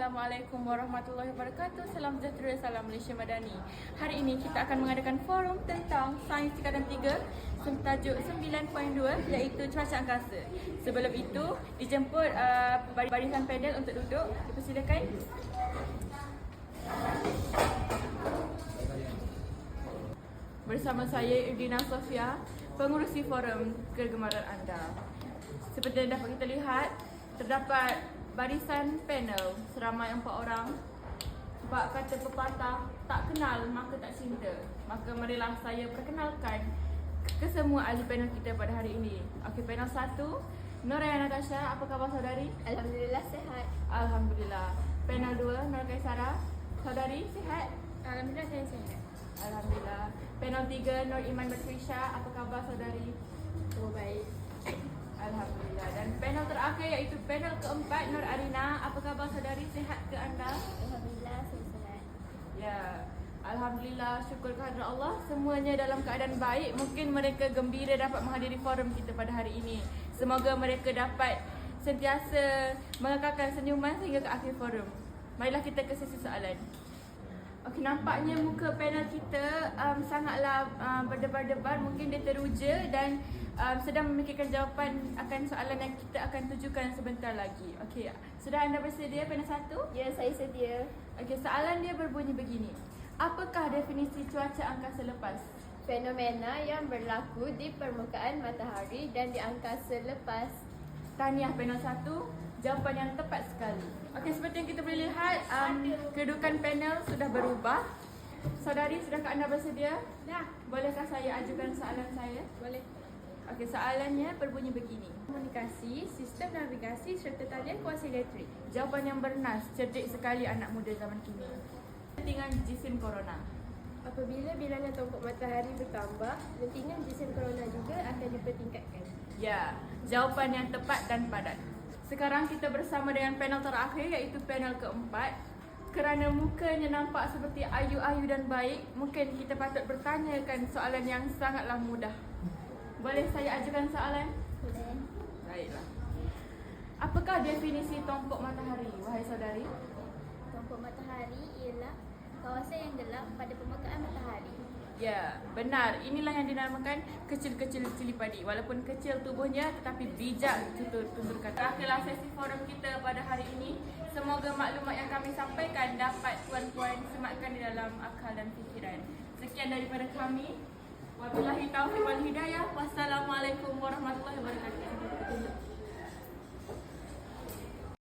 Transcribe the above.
Assalamualaikum warahmatullahi wabarakatuh. Salam sejahtera, salam Malaysia Madani. Hari ini kita akan mengadakan forum tentang Sains Tingkatan 3 tajuk 9.2 iaitu cuaca angkasa. Sebelum itu, dijemput barisan panel untuk duduk. Dipersilakan. Bersama saya Irdina Sofia, pengurusi forum kegemaran anda. Seperti yang dapat kita lihat, terdapat barisan panel seramai 4 orang. Sebab kata pepatah, tak kenal maka tak cinta. Maka marilah saya perkenalkan kesemua ahli panel kita pada hari ini. Okey, panel 1, Noraya Natasha, apa khabar saudari? Alhamdulillah sihat. Alhamdulillah. Panel 2, Nur Kaisara, saudari sihat? Alhamdulillah saya sihat. Alhamdulillah. Panel 3, Nur Iman Batrisha, apa khabar saudari? Oh baik. Alhamdulillah. Dan panel terakhir iaitu panel keempat, Nur Arina, apa khabar saudari? Sihat ke anda? Alhamdulillah saya sihat. Ya, Alhamdulillah, syukur kehadrat Allah, semuanya dalam keadaan baik. Mungkin mereka gembira dapat menghadiri forum kita pada hari ini. Semoga mereka dapat sentiasa mengekalkan senyuman sehingga ke akhir forum. Marilah kita ke sesi soalan. Okey, nampaknya muka panel kita sangatlah berdebar-debar. Mungkin dia teruja dan sedang memikirkan jawapan akan soalan yang kita akan tujukan sebentar lagi. Okey, sudah anda bersedia panel 1? Ya, saya sedia. Okey, soalan dia berbunyi begini. Apakah definisi cuaca angkasa lepas? Fenomena yang berlaku di permukaan matahari dan di angkasa lepas. Tahniah panel 1, jawapan yang tepat sekali. Okey, seperti yang kita boleh lihat, kedudukan panel sudah berubah. Saudari, sudahkah anda bersedia? Dah. Bolehkah saya ajukan soalan saya? Boleh. Okey, soalannya berbunyi begini. Komunikasi, sistem navigasi serta talian kuasa elektrik. Jawapan yang bernas, cerdik sekali anak muda zaman kini. Lentingan jisim corona. Apabila bilangan tombok matahari bertambah, lentingan jisim corona juga akan dipertingkatkan. Ya, jawapan yang tepat dan padat. Sekarang kita bersama dengan panel terakhir iaitu panel keempat. Kerana mukanya nampak seperti ayu-ayu dan baik, mungkin kita patut bertanyakan soalan yang sangatlah mudah. Boleh saya ajukan soalan? Boleh. Baiklah. Apakah definisi tombok matahari, wahai saudari? Tombok matahari ialah kawasan yang gelap pada permukaan matahari. Ya, benar. Inilah yang dinamakan kecil-kecil cili padi. Walaupun kecil tubuhnya tetapi bijak tutur kata. Terakhirlah sesi forum kita pada hari ini. Semoga maklumat yang kami sampaikan dapat puan-puan sematkan di dalam akal dan fikiran. Sekian daripada kami. Wabillahi taufiq wal hidayah. Wassalamualaikum warahmatullahi wabarakatuh.